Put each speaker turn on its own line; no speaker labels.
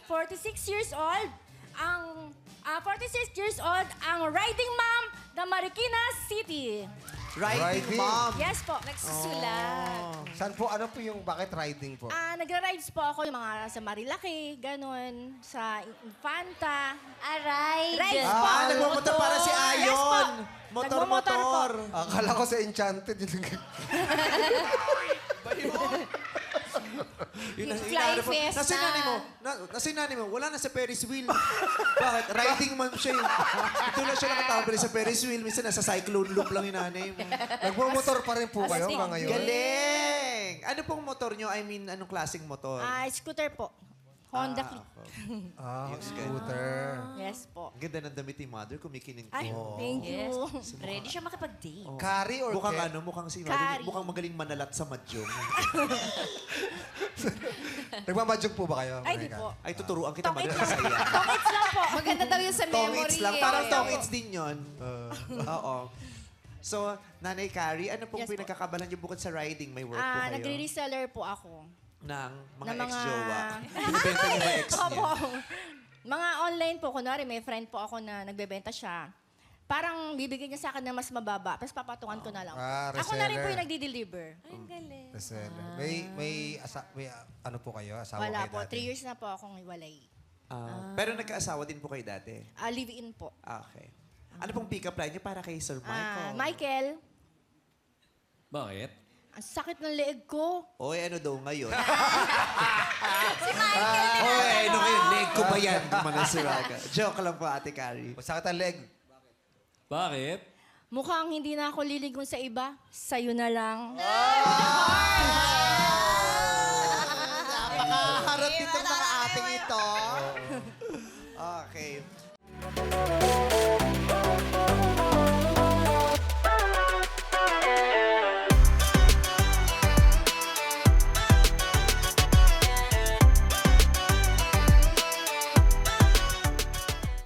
46 years old, ang 46 years old, ang riding mom ng Marikina City.
Riding
Riding.
mom.
Yes po.
Nagsusulat.
Saan po, ano po yung, bakit riding po?
Nagra-rides po ako yung mga sa Marilaki, ganun, sa Infanta.
Aray.
Rides po.
Nagmumotor para si Ayon.
Yes po. Nagmumotor po.
Motor-motor.
Akala ko sa Enchanted.
Fly Fiesta.
Nasa yung nanay mo? Nasa yung nanay mo? Wala na sa Ferris wheel. Bakit? Riding mom siya yun. Ito lang siya nakatambali sa Ferris wheel. Minsan nasa cyclone loop lang yung nanay mo.
Nagmumotor pa rin po kayo hanggang ngayon?
Galing! Ano pong motor nyo? I mean, anong klaseng motor?
Scooter po. Honda Click.
Ah, scooter.
Yes po.
Ang ganda ng damit ni mother, kumikinig
Ay,
po.
thank you.
Yes. Ready siya makipag-date.
Carry or
Mukhang
Ken?
ano, mukhang si
Kari.
mukhang magaling manalat sa madyong.
Nagmamadyog po ba kayo?
Ay, di
Monica?
po.
Ay, tuturuan kita
Tongits
manalat
lang.
sa iya.
Tongits lang po.
Maganda daw yun sa memory.
Tongits lang.
eh.
Parang tongits din yun. Oo. So, Nanay Carrie, ano pong
Yes po.
pinagkakabalan niyo bukod sa riding? May work po kayo?
Nagre-reseller po ako.
Ng mga
ng mga-
ex-jowa. Binibenta niyo ba ex niya?
Opo. Mga online po. Kunwari, may friend po ako na nagbebenta siya. Parang bibigyan niya sa akin na mas mababa, tapos papatungan ko na lang. Ako na rin po
reseller.
yung nagdi-deliver.
Ay, ang galing.
Reseller. May ano po kayo? Asawa
Wala
kayo
po.
dati?
3 years na po akong iwalay.
Pero nagkaasawa din po kayo dati?
Live-in po.
Okay. Ano pong pick-up line niyo para kay Sir Michael?
Michael,
Bakit?
ang sakit ng leeg ko.
Oy, ano daw ngayon? Oy, ano ngayon? Leg ko ba yan? Gumana si Michael. Joke lang po, Ate Carrie.
Masakit ang leg.
Bakit?
Mukhang hindi na ako liligon sa iba. Sa'yo na lang.
Napakaharap itong mga ating ito. Okay.